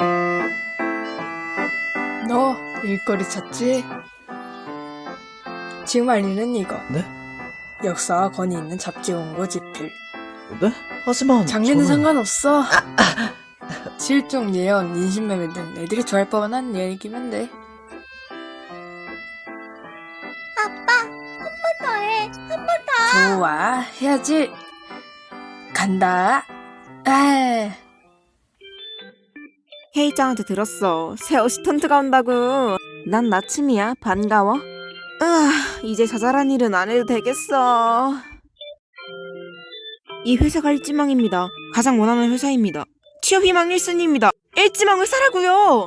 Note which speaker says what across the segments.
Speaker 1: 너 일거리 찾지? 지금 알리는 이거.
Speaker 2: 네?
Speaker 1: 역사와 권위 있는 잡지 원고 집필.
Speaker 2: 네? 하지만
Speaker 1: 장르는
Speaker 2: 저는...
Speaker 1: 상관없어. 실종, 예언, 인신매매 등 애들이 좋아할 법한 얘기면 돼.
Speaker 3: 아빠, 한 번 더 해. 한 번 더.
Speaker 1: 좋아, 해야지. 간다. 아,
Speaker 4: 회의장한테 들었어. 새 어시스턴트가 온다고. 난 나침이야. 반가워. 이제 자잘한 일은 안 해도 되겠어. 이 회사가 일지망입니다. 가장 원하는 회사입니다. 취업 희망 1순위입니다. 일지망을 사라고요.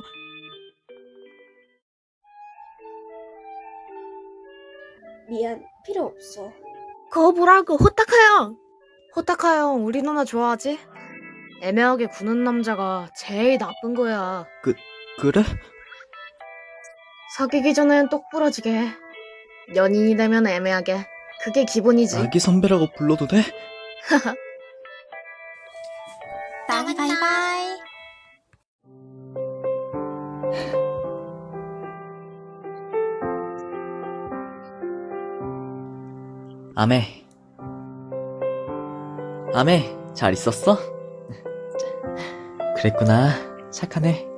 Speaker 3: 미안, 필요 없어.
Speaker 5: 그거 보라고, 호타카 형! 호타카 형 우리 누나 좋아하지? 애매하게 구는 남자가 제일 나쁜 거야.
Speaker 2: 그래?
Speaker 5: 사귀기 전엔 똑부러지게 해. 연인이 되면 애매하게. 그게 기본이지.
Speaker 2: 아기 선배라고 불러도 돼?
Speaker 3: 바이바이.
Speaker 2: 아메, 잘 있었어? 그랬구나. 착하네.